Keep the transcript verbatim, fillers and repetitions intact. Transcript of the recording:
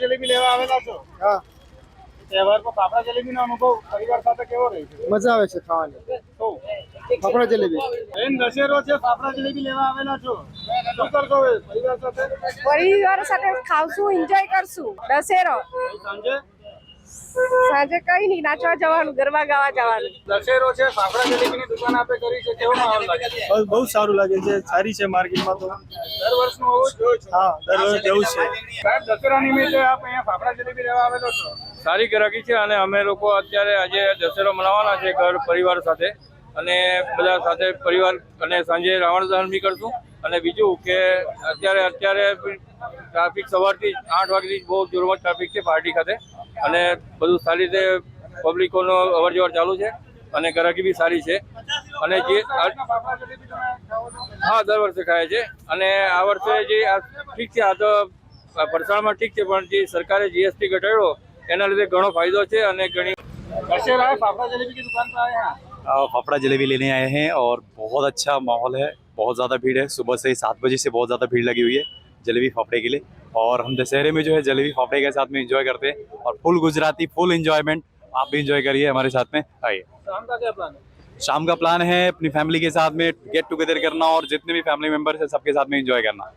જલેબી લેવા આવેલા છો? હા, તહેવાર પર ફાફડા જલેબીનો અનુભવ પરિવાર સાથે કેવો રહે છે? મજા આવે છે ખાવાની. તો ફાફડા જલેબી બેન દશેરો છે, ફાફડા જલેબી લેવા આવેલા છો, શું કરશો હવે પરિવાર સાથે? પરિવાર સાથે ખાવશું, એન્જોય કરશું દશેરો. સાંજે સાંજે કઈ નહીં, નાચવા જવાનું, ગરબા ગાવા જવાનું. દશેરો છે, ફાફડા જલેબીની દુકાન આપે કરી છે, કેવો માહોલ લાગે છે? બહુ સારું લાગે છે, સારી છે માર્કેટમાં તો. દર વર્ષનું હોવું જ જોઈએ. હા, દર વર્ષે જેવું છે. સાહેબ દશેરા નિમિત્તે આપ અહીંયા ફાફડા જલેબી લેવા આવેલો છો? સારી ગ્રાહકી છે અને અમે લોકો અત્યારે આજે દશેરો મનાવવાના છે ઘર પરિવાર સાથે, અને બધા સાથે પરિવાર અને સાંજે રાવણ દહન બી કરશું. અને બીજું કે અત્યારે અત્યારે ટ્રાફિક સવારથી આઠ વાગ્યાથી બહુ જોરમાં ટ્રાફિક છે પાર્ટી ખાતે, અને બધું સારી રીતે પબ્લિકોનો અવર જવર ચાલુ છે અને ગ્રાહકી બી સારી છે. અને જે ફાફડા જલેબી તમે ખાઓ છો? હા, દર વર્ષે ખાય છે. અને આ વર્ષે જે આ ઠીક છે, આ તો ફરસાણમાં ઠીક છે, પણ જે સરકારે જીએસટી ઘટાડ્યો એના લીધે ઘણો ફાયદો છે અને ઘણી दशहरा है, फाफड़ा जलेबी की दुकान पर आए हैं। फाफड़ा जलेबी लेने आए हैं और बहुत अच्छा माहौल है, बहुत ज़्यादा भीड़ है। सुबह से ही सात बजे से बहुत ज़्यादा भीड़ लगी हुई है जलेबी फाफड़े के लिए, और हम दशहरे में जो है जलेबी फाफड़े के साथ में एंजॉय करते हैं, और फुल गुजराती फुल एंजॉयमेंट आप भी एंजॉय करिए हमारे साथ में। आइए। शाम का क्या प्लान है? शाम का प्लान है अपनी फैमिली के साथ में गेट टुगेदर करना और जितने भी फैमिली मेम्बर्स हैं सबके साथ में एंजॉय करना।